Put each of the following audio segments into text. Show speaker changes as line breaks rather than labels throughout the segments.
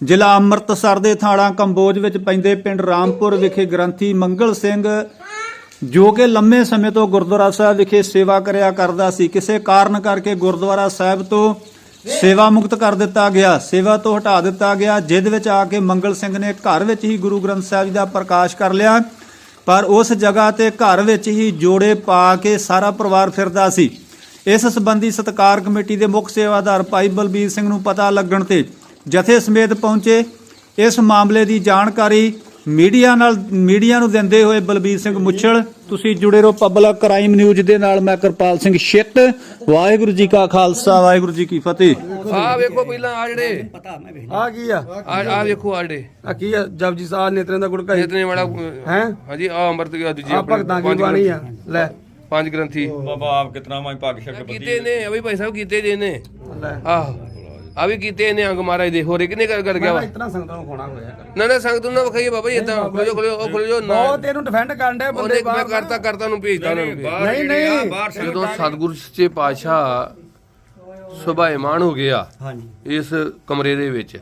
ਜ਼ਿਲ੍ਹਾ ਅੰਮ੍ਰਿਤਸਰ ਦੇ ਥਾਣਾ ਕੰਬੋਜ ਵਿੱਚ ਪੈਂਦੇ ਪਿੰਡ ਰਾਮਪੁਰ ਵਿਖੇ ਗ੍ਰੰਥੀ ਮੰਗਲ ਸਿੰਘ ਜੋ ਕਿ ਲੰਮੇ ਸਮੇਂ ਤੋਂ ਗੁਰਦੁਆਰਾ ਸਾਹਿਬ ਵਿਖੇ ਸੇਵਾ ਕਰਿਆ ਕਰਦਾ ਸੀ, ਕਿਸੇ ਕਾਰਨ ਕਰਕੇ ਗੁਰਦੁਆਰਾ ਸਾਹਿਬ ਤੋਂ ਸੇਵਾ ਮੁਕਤ ਕਰ ਦਿੱਤਾ ਗਿਆ, ਸੇਵਾ ਤੋਂ ਹਟਾ ਦਿੱਤਾ ਗਿਆ। ਜਿਸ ਵਿੱਚ ਆ ਕੇ ਮੰਗਲ ਸਿੰਘ ਨੇ ਘਰ ਵਿੱਚ ਹੀ ਗੁਰੂ ਗ੍ਰੰਥ ਸਾਹਿਬ ਜੀ ਦਾ ਪ੍ਰਕਾਸ਼ ਕਰ ਲਿਆ, ਪਰ ਉਸ ਜਗ੍ਹਾ ਤੇ ਘਰ ਵਿੱਚ ਹੀ ਜੋੜੇ ਪਾ ਕੇ ਸਾਰਾ ਪਰਿਵਾਰ ਫਿਰਦਾ ਸੀ। ਇਸ ਸੰਬੰਧੀ ਸਤਿਕਾਰ ਕਮੇਟੀ ਦੇ ਮੁੱਖ ਸੇਵਾਦਾਰ ਭਾਈ ਬਲਬੀਰ ਸਿੰਘ ਨੂੰ ਪਤਾ ਲੱਗਣ ਤੇ ਜਥੇ ਸਮੇਤ ਪਹੁੰਚੇ। ਇਸ ਮਾਮਲੇ ਦੀ ਜਾਣਕਾਰੀ ਮੀਡੀਆ ਨੂੰ ਦਿੰਦੇ ਹੋਏ ਬਲਬੀਰ ਸਿੰਘ ਮੁੱਛਲ, ਤੁਸੀਂ ਜੁੜੇ ਰਹੋ ਪਬਲਿਕ ਕ੍ਰਾਈਮ ਨਿਊਜ਼ ਦੇ ਨਾਲ। ਮੈਂ ਕਿਰਪਾਲ ਸਿੰਘ ਛਿੱਤ। ਵਾਹਿਗੁਰੂ ਜੀ ਕਾ ਖਾਲਸਾ, ਵਾਹਿਗੁਰੂ ਜੀ ਕੀ ਫਤਿਹ।
ਆ ਵੇਖੋ ਪਹਿਲਾਂ ਆ ਜਿਹੜੇ
ਆ ਕੀ ਆ
ਵੇਖੋ ਆ ਜਿਹੜੇ
ਆ ਕੀ ਆ ਜਪਜੀ ਸਾਹਿਬ ਨੇਤਰਾਂ ਦਾ ਗੁੜਕਾ
ਇਤਨੇ ਵਾਲਾ
ਹੈ
ਹਾਂਜੀ ਆ ਅੰਮ੍ਰਿਤ ਗਿਆ ਦੂਜੀ
ਆ ਭਗਤਾਂ ਕੀ ਬਾਣੀ ਆ ਲੈ
ਪੰਜ ਗ੍ਰੰਥੀ
ਬਾਬਾ ਆਪ ਕਿਤਨਾ ਮੈਂ ਭਾਗ ਸ਼ਕਤ
ਕੀਤੇ ਨੇ ਅਭੀ ਭਾਈ ਸਾਹਿਬ ਕੀਤੇ ਜੇ ਨੇ
ਲੈ
ਆਹ ਆ ਵੀ ਕੀਤੇ ਨੇ ਅੰਗ ਮਹਾਰਾਜ ਦੇ ਹੋਰੇ ਕਿੰਨੇ ਕਰ ਗਿਆ ਵਾ
ਇਤਨਾ ਸੰਗਤਾਂ ਨੂੰ ਖੋਣਾ ਹੋਇਆ
ਨਾ ਸੰਗਤ ਨੂੰ ਵਿਖਾਈਏ ਬਾਬਾ ਜੀ ਇਦਾਂ ਖੁੱਲੋ ਨਾ
ਬਹੁਤ ਇਹਨੂੰ ਡਿਫੈਂਡ ਕਰਨ ਦੇ ਬੰਦੇ
ਉਹਨੇ ਮੈਂ ਕਰਤਾ ਨੂੰ ਭੇਜਦਾ ਉਹਨਾਂ ਨੂੰ
ਨਹੀਂ
ਜਦੋਂ ਸਤਿਗੁਰੂ ਸੱਚੇ ਪਾਤਸ਼ਾਹ ਸੁਭਾਏਮਾਨ ਹੋ ਗਿਆ
ਹਾਂਜੀ
ਇਸ ਕਮਰੇ ਦੇ ਵਿੱਚ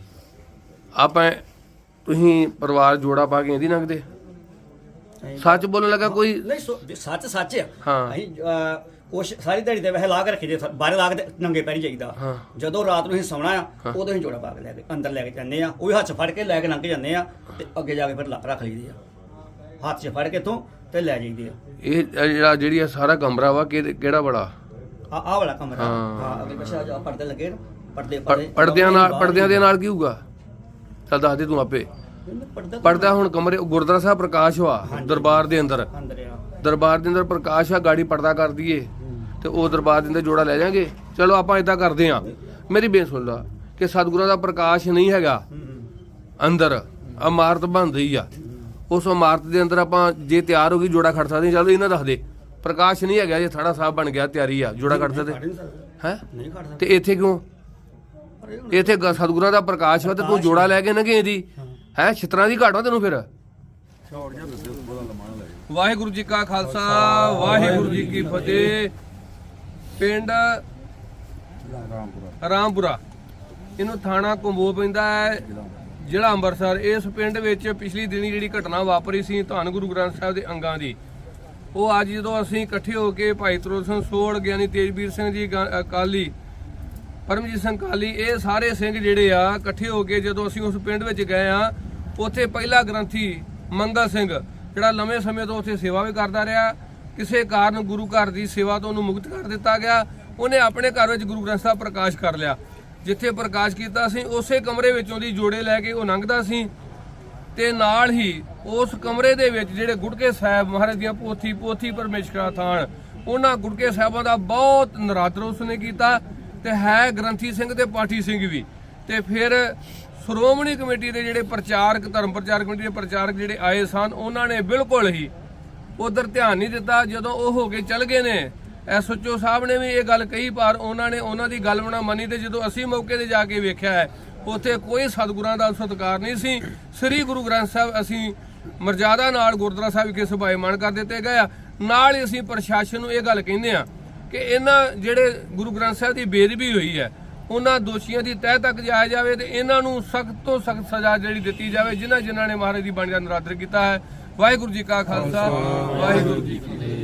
ਆਪਾਂ ਤੁਸੀਂ ਪਰਿਵਾਰ ਜੋੜਾ ਪਾ ਕੇ ਇਹਦੀ ਨੰਗਦੇ ਸੱਚ ਬੋਲਣ ਲੱਗਾ ਕੋਈ
ਨਹੀਂ ਸੱਚ ਆ
ਹਾਂ।
ਅਸੀਂ ਕੁਛ ਸਾਰੀ ਦਿਹਾੜੀ ਦੇ ਵੈਸੇ ਲਾ ਕੇ ਰੱਖੀ ਦੇ ਬਾਹਰ ਲਾ ਕੇ ਨੰਗੇ ਪੈਰੀ ਜਾਈਦਾ। ਜਦੋਂ ਰਾਤ ਨੂੰ ਅਸੀਂ ਸੌਣਾ ਆ ਉਦੋਂ ਅਸੀਂ ਜੋੜਾ ਪਾ ਕੇ ਲੈ ਕੇ ਅੰਦਰ ਲੈ ਕੇ ਜਾਂਦੇ ਆ, ਉਹ ਵੀ ਹੱਥ 'ਚ ਫੜ ਕੇ ਲੈ ਕੇ ਲੰਘ ਜਾਂਦੇ ਆ ਤੇ ਅੱਗੇ ਜਾ ਕੇ ਫਿਰ ਰੱਖ ਲਈਦੀ ਆ, ਹੱਥ 'ਚ ਫੜ ਕੇ ਤੋਂ ਤੇ ਲੈ ਜਾਈਦੇ ਆ।
ਇਹ ਜਿਹੜੀ ਆ ਸਾਰਾ ਕਮਰਾ ਵਾ ਕਿਹੜਾ ਬੜਾ
ਆਹ ਵਾਲਾ ਕਮਰਾ ਹਾਂ ਅੱਗੇ ਪਿੱਛੇ ਜਾ ਪਰਦੇ ਲੱਗੇ ਨਾ,
ਪਰਦਿਆਂ ਦੇ ਨਾਲ ਕੀ ਹੋਊਗਾ? ਚੱਲ ਦੱਸ ਦੇ ਤੂੰ ਆਪੇ। ਪਰਦਾ ਹੁਣ ਕਮਰੇ ਗੁਰਦੁਆਰਾ ਸਾਹਿਬ ਪ੍ਰਕਾਸ਼ ਹੋਆ ਦਰਬਾਰ ਦੇ ਅੰਦਰ ਪ੍ਰਕਾਸ਼ ਆ, ਗਾੜੀ ਪਰਦਾ ਕਰ ਦਈਏ ਤੇ ਉਹ ਦਰਬਾਰ ਦੇ ਅੰਦਰ ਜੋੜਾ ਲੈ ਜਾਾਂਗੇ। ਚਲੋ ਆਪਾਂ ਇਦਾਂ ਕਰਦੇ ਆ, ਮੇਰੀ ਬੇਨਤੀ ਸੁਣ ਲਾ ਕਿ ਸਤਿਗੁਰਾਂ ਦਾ ਪ੍ਰਕਾਸ਼ ਨਹੀਂ ਹੈਗਾ ਅੰਦਰ, ਇਮਾਰਤ ਬਣ ਰਹੀ ਆ, ਉਸ ਇਮਾਰਤ ਦੇ ਅੰਦਰ ਆਪਾਂ ਜੇ ਤਿਆਰ ਹੋ ਗਈ ਜੋੜਾ ਖੜ ਸਕਦੇ। ਚਲੋ ਇਹਨਾਂ ਦੱਸ ਦੇ ਪ੍ਰਕਾਸ਼ ਨਹੀਂ ਹੈਗਾ, ਜੇ ਥਾੜਾ ਸਾਹਿਬ ਬਣ ਗਿਆ ਤਿਆਰੀ ਆ ਜੋੜਾ ਖੜ ਸਕਦੇ ਹੈ ਤੇ ਇੱਥੇ ਕਿਉਂ? ਇੱਥੇ ਸਤਿਗੁਰਾਂ ਦਾ ਪ੍ਰਕਾਸ਼ ਵਾ ਤੇ ਤੂੰ ਜੋੜਾ ਲੈ ਕੇ ਨਗੇ ਇਹਦੀ ਹੈ ਛਿੱਤਰਾਂ ਦੀ ਘਾਟ ਵਾ ਤੈਨੂੰ। ਫਿਰ ਵਾਹਿਗੁਰੂ ਜੀ ਕਾ ਖਾਲਸਾ, ਵਾਹਿਗੁਰੂ ਜੀ ਕੀ ਫਤਿਹ। ਪਿੰਡ ਰਾਮਪੁਰਾ, ਇਹਨੂੰ ਥਾਣਾ ਕੰਬੋਜ ਪੈਂਦਾ ਹੈ, ਜ਼ਿਲ੍ਹਾ ਅੰਮ੍ਰਿਤਸਰ। ਇਸ ਪਿੰਡ ਵਿੱਚ ਪਿਛਲੀ ਦਿਨੀ ਜਿਹੜੀ ਘਟਨਾ ਵਾਪਰੀ ਸੀ ਧੰਨ ਗੁਰੂ ਗ੍ਰੰਥ ਸਾਹਿਬ ਦੇ ਅੰਗਾਂ ਦੀ, ਉਹ ਅੱਜ ਜਦੋਂ ਅਸੀਂ ਇਕੱਠੇ ਹੋ ਕੇ ਭਾਈ ਤਰੋੜ ਸਿੰਘ ਸੋੜ, ਗਿਆਨੀ ਤੇਜਵੀਰ ਸਿੰਘ ਜੀ ਅਕਾਲੀ, ਪਰਮਜੀਤ ਸਿੰਘ ਕਾਲੀ, ਇਹ ਸਾਰੇ ਸਿੰਘ ਜਿਹੜੇ ਆ ਇਕੱਠੇ ਹੋ ਕੇ ਜਦੋਂ ਅਸੀਂ ਉਸ ਪਿੰਡ ਵਿੱਚ ਗਏ ਆ, ਉੱਥੇ ਪਹਿਲਾ ਗ੍ਰੰਥੀ ਮੰਗਲ ਸਿੰਘ ਜਿਹੜਾ ਲੰਮੇ ਸਮੇਂ ਤੋਂ ਉੱਥੇ ਸੇਵਾ ਵੀ ਕਰਦਾ ਰਿਹਾ, ਕਿਸੇ ਕਾਰਨ ਗੁਰੂ ਘਰ ਦੀ ਸੇਵਾ ਤੋਂ ਉਹਨੂੰ ਮੁਕਤ ਕਰ ਦਿੱਤਾ ਗਿਆ। ਉਹਨੇ ਆਪਣੇ ਘਰ ਵਿੱਚ ਗੁਰੂ ਗ੍ਰੰਥ ਸਾਹਿਬ ਪ੍ਰਕਾਸ਼ ਕਰ ਲਿਆ। ਜਿੱਥੇ ਪ੍ਰਕਾਸ਼ ਕੀਤਾ ਸੀ ਉਸੇ ਕਮਰੇ ਵਿੱਚੋਂ ਦੀ ਜੋੜੇ ਲੈ ਕੇ ਉਹ ਲੰਘਦਾ ਸੀ ਤੇ ਨਾਲ ਹੀ ਉਸ ਕਮਰੇ ਦੇ ਵਿੱਚ ਜਿਹੜੇ ਗੁਟਕੇ ਸਾਹਿਬ ਮਹਾਰਾਜ ਦੀਆਂ ਪੋਥੀ ਪਰਮੇਸ਼ਕਰਾ ਥਾਨ, ਉਹਨਾਂ ਗੁਟਕੇ ਸਾਹਿਬਾਂ ਦਾ ਬਹੁਤ ਨਰਾਦਰ ਉਸਨੇ ਕੀਤਾ ਤੇ ਹੈ ਗ੍ਰੰਥੀ ਸਿੰਘ ਤੇ ਪਾਠੀ ਸਿੰਘ ਵੀ। ਤੇ ਫਿਰ ਸ਼੍ਰੋਮਣੀ ਕਮੇਟੀ ਦੇ ਜਿਹੜੇ ਪ੍ਰਚਾਰਕ, ਧਰਮ ਪ੍ਰਚਾਰ ਕਮੇਟੀ ਦੇ ਪ੍ਰਚਾਰਕ ਜਿਹੜੇ ਆਏ ਸਨ, ਉਹਨਾਂ ਨੇ ਬਿਲਕੁਲ ਹੀ ਉਧਰ ਧਿਆਨ ਨਹੀਂ ਦਿੱਤਾ। ਜਦੋਂ ਉਹ ਹੋ ਕੇ ਚੱਲ ਗਏ ਨੇ, ਐਸਓਚਓ ਸਾਹਿਬ ਨੇ ਵੀ ਇਹ ਗੱਲ ਕਹੀ, ਪਰ ਉਹਨਾਂ ਨੇ ਉਹਨਾਂ ਦੀ ਗੱਲ ਨਾ ਮੰਨੀ। ਤੇ ਜਦੋਂ ਅਸੀਂ ਮੌਕੇ ਤੇ ਜਾ ਕੇ ਵੇਖਿਆ ਹੈ, ਉੱਥੇ ਕੋਈ ਸਤਿਗੁਰਾਂ ਦਾ ਸਤਿਕਾਰ ਨਹੀਂ ਸੀ। ਸ੍ਰੀ ਗੁਰੂ ਗ੍ਰੰਥ ਸਾਹਿਬ ਅਸੀਂ ਮਰਜ਼ਾਦਾ ਨਾਲ ਗੁਰਦੁਆਰਾ ਸਾਹਿਬ ਵਿਖੇ ਸੁਭਾਏਮਾਨ ਕਰ ਦਿੱਤੇ ਗਏ ਆ। ਨਾਲ ਹੀ ਅਸੀਂ ਪ੍ਰਸ਼ਾਸਨ ਨੂੰ ਇਹ ਗੱਲ ਕਹਿੰਦੇ ਆ ਕਿ ਇਹਨਾਂ ਜਿਹੜੇ ਗੁਰੂ ਗ੍ਰੰਥ ਸਾਹਿਬ ਦੀ ਬੇਅਦਬੀ ਹੋਈ ਹੈ, ਉਹਨਾਂ ਦੋਸ਼ੀਆਂ ਦੀ ਤਹਿ ਤੱਕ ਜਾਇਆ ਜਾਵੇ ਤੇ ਇਹਨਾਂ ਨੂੰ ਸਖਤ ਤੋਂ ਸਖਤ ਸਜ਼ਾ ਜਿਹੜੀ ਦਿੱਤੀ ਜਾਵੇ, ਜਿਨ੍ਹਾਂ ਨੇ ਮਹਾਰਾਜ ਦੀ ਬਾਣੀ ਦਾ ਨਿਰਾਦਰ ਕੀਤਾ ਹੈ। ਵਾਹਿਗੁਰੂ ਜੀ ਕਾ ਖਾਲਸਾ, ਵਾਹਿਗੁਰੂ ਜੀ ਕੀ ਫਤਿਹ।